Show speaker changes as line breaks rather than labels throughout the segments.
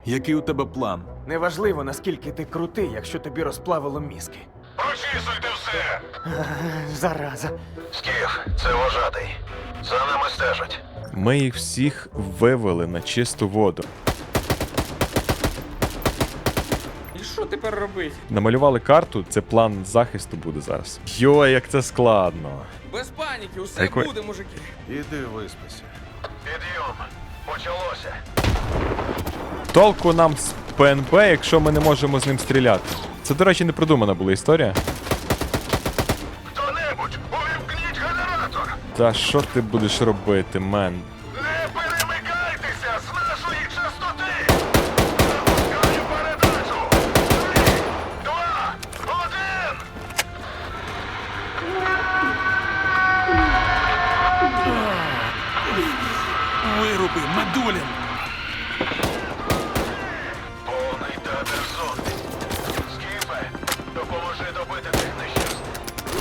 Який у тебе план?
Неважливо, наскільки ти крутий, якщо тобі розплавило мізки.
Прочісуйте все!
Зараза.
Скіф, це вожатий. За нами стежать.
Ми їх всіх вивели на чисту воду.
І що тепер робити?
Намалювали карту, це план захисту буде зараз. Йой, як це складно.
Без паніки, усе
Якої-
буде, мужики.
Іди виспися.
Підйом. Почалося.
Толку нам з ПНБ, якщо ми не можемо з ним стріляти. Це, до речі, не продумана була історія.
Хто-небудь, увімкніть генератор!
Та що ти будеш робити, мен?
Не перемикайтеся з нашої частоти! Запускаю передачу! 3, 2, 1!
Вируби, Медулін!
Повний театр зомбі. Скіфе, допоможи добити тих нещасних.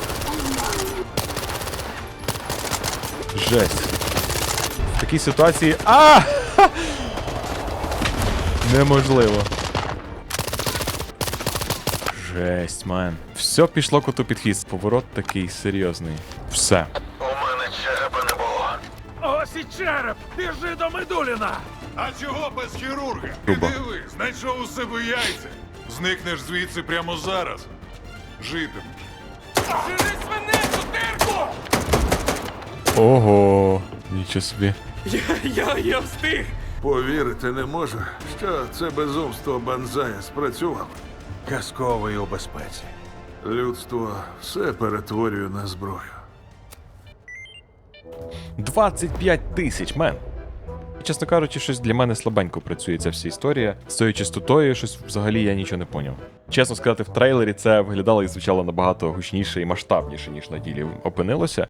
Жесть. В такій ситуації. А! Ха! Неможливо. Жесть, мен. Все пішло коту під хвіст. Поворот такий серйозний. Все.
У мене черепа не було.
Ось і череп! Біжи до Медуліна!
А чого без хірурга?
Грубо.
Ти диви, знайшов у себе яйця. Зникнеш звідси прямо зараз. Житимеш.
Жени свинецю, дирку!
Ого. Нічого собі.
Я встиг!
Повірити не можу, що це безумство Банзая спрацювало.
Казковий у безпеці.
Людство все перетворює на зброю.
25 тисяч, мен. Чесно кажучи, щось для мене слабенько працює ця вся історія. З цією частотою щось взагалі я нічого не поняв. Чесно сказати, в трейлері це виглядало і звучало набагато гучніше і масштабніше, ніж на ділі опинилося.